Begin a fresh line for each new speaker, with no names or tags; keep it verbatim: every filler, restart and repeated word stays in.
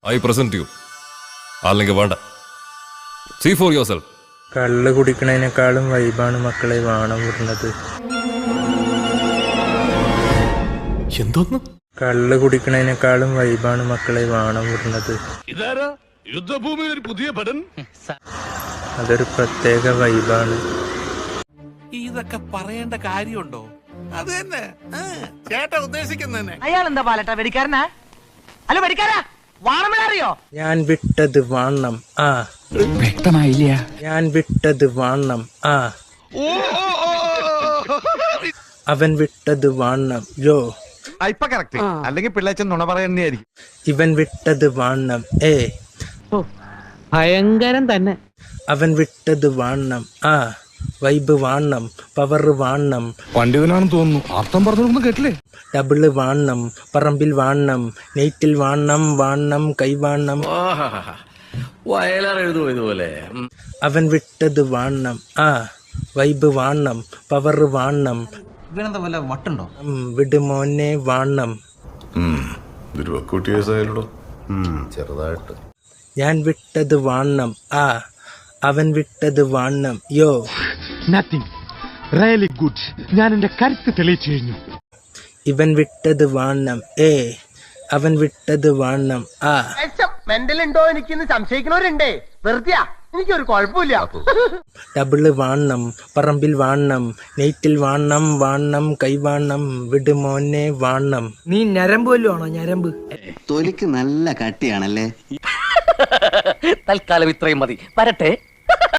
I present you. അല്ലെങ്കിൽ വേണ്ട. See for yourself.
കള്ള് കുടിക്കണതിനേക്കാളും വൈബാണ് മക്കളെ വാണം വിടുന്നത്.
എന്തോന്ന്?
കള്ള് കുടിക്കണതിനേക്കാളും വൈബാണ് മക്കളെ വാണം വിടുന്നത്.
ഇതാരാ യുദ്ധഭൂമിയിൽ ഒരു പുതിയ പടൻ?
അതൊരു പ്രത്യേക വൈബാണ്.
ഇതൊക്കെ പറയേണ്ട കാര്യമുണ്ടോ? അത് തന്നെ ചേട്ടാ ഉദ്ദേശിക്കുന്നതന്നെ.
അയാൾ എന്താ പാലട്ടാ വെടിക്കാരനാ? അല്ല വെടിക്കാരാ വാണമില്ലറിയോ?
ഞാൻ വിട്ടത് വാണം ആ
വ്യക്തമായില്ല.
ഞാൻ വിട്ടത് വാണം ആ അവൻ വിട്ടത് വാണം യോ.
ഇപ്പൊ കറക്റ്റ്. അല്ലെങ്കിൽ പിള്ളേച്ചൻ നുണ പറയുന്നതായിരിക്കും.
ഇവൻ വിട്ടത് വാണം ഏ
ഭയങ്കരം തന്നെ.
അവൻ വിട്ടത് വാണം ആ വൈബ് വാണം പവർ വാണം.
പണ്ഡിതനാണെന്ന് തോന്നുന്നു. അർത്ഥം പറഞ്ഞൊന്നും കേട്ടില്ലേ?
ഡബിള് വാണം പറമ്പിൽ വാണം നെയ്റ്റിൽ വാണം വാണം കൈവാണം.
വയലാറെഴുതുപോലെ
അവൻ വിട്ടത് വാണം ആ വൈബ് വാണം പവർ വാണം.
ഇവനെന്താ വല്ല വട്ടുണ്ടോ?
വിടുമോനെ വാണം.
ചെറുതായിട്ട്.
ഞാൻ വിട്ടത് വാണം ആ അവൻ വിട്ടത് വാണം യോ.
Nothing really good. ഞാൻ എന്റെ കരുത്ത് തെളിയിച്ചു കഴിഞ്ഞു.
ഇവൻ വിട്ടത് വാണം ഏ അവൻ വിട്ടത് വാണം ആ.
മെന്റൽ ഉണ്ടോ എനിക്കിന്ന് സംശയിക്കുന്നവരുണ്ടേ. വെറുതെയാ, എനിക്കൊരു കുഴപ്പമില്ല.
ഡബിള് വാണം പറമ്പിൽ വാണം നെയ്റ്റിൽ വാണം വാണം കൈവാണം. വിടുമോനെ വാണം.
നീ ഞരമ്പ് വല്ലതും ആണോ? ഞരമ്പ്
തൊലിക്ക് നല്ല കട്ടിയാണല്ലേ.
തൽക്കാലം ഇത്രയും മതി. വരട്ടെ.